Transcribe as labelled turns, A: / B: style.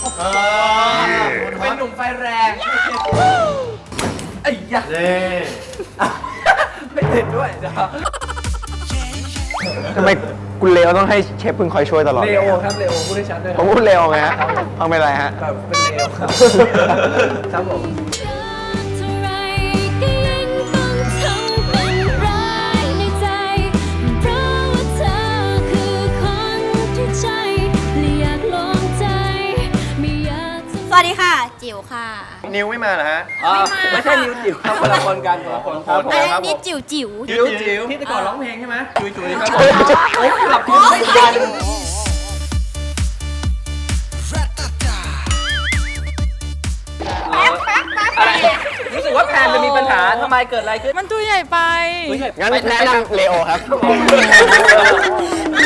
A: เป็นหนุ่มไฟแรงไอ้ยักษ์ไม่ติดด้วยจ้ะ
B: ทำไมคุณเลโอต้องให้เชฟพึ่งคอยช่วยตลอด
A: เลโอครับเลโอพูดให้ชัดด้วย
B: ผมพูดเลโอไงฮะเอาไม่ไรฮะ
A: แบบเป็นเลโอครับครับผม
C: เท่าไรก็ยังต้องทำเป็นร้ายในใจ เพราะว่าเธอคือคนที่ใจและอยากลองใจไม่อยากจะ
D: สวัสดีค่ะ จิ๋วค่ะ
B: นิวไม่มาเหรอฮะ
A: ไม่ใช่นิวจิ๋วครับคนละคนกันคนละคน
D: อันนี้จิ๋วจิ๋ว
A: จิ๋วจิ๋วที่แต่ก่อนร้องเพลงใช่ไหมจุ๋ยจุ๋ยครับผมโอ้ยหลับกินไม่ทันรู้สึกว่าแพนจะมีปัญหาทำไมเกิดอะไรขึ้น
E: มันตัวใหญ่ไป
B: งั้นแนะนำเลโอครับ